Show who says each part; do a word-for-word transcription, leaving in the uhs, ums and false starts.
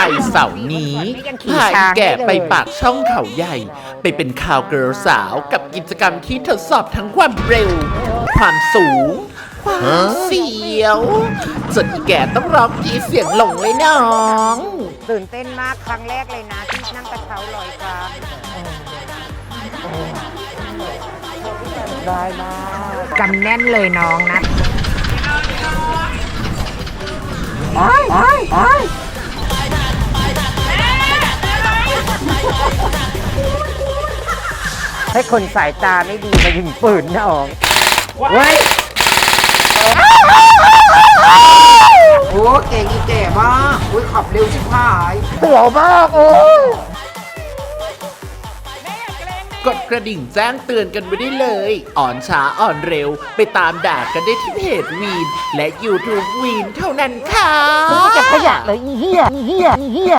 Speaker 1: เสาร์นี้พาอีแก่ไปปากช่องเขาใหญ่ ไปเป็นข่าวเกิร์ลสาวกับกิจกรรมที่ทดสอบทั้งความเร็ว ความสูง ความเสียวจนอีแก่ต้องร้องกรีดเสียงหลงเลยน้อง
Speaker 2: ตื่นเต้นมากครั้งแรกเลยนะที่นั่งกระเช้าลอยฟ้าได้มากจำแน่นเลยน้องนะอ้อยอ้อยอ้อยให้คนสายตาไม่ดีมายิงปืนนะอ๋องเว้ยโอ้เก่งอีแก่มากอุ้ยขับเร็วชิบหายเสียวมากโอ้
Speaker 1: กดกระดิ่งแจ้งเตือนกันไว้ได้เลย อ่อนช้าอ่อนเร็วไปตามด่ากันได้ที่เพจวีนและ YouTube วีนเท่านั้นค่ะ
Speaker 2: ไม่เก็บขยะเลยอีเหี้ยอีเหี้ยอีเหี้ย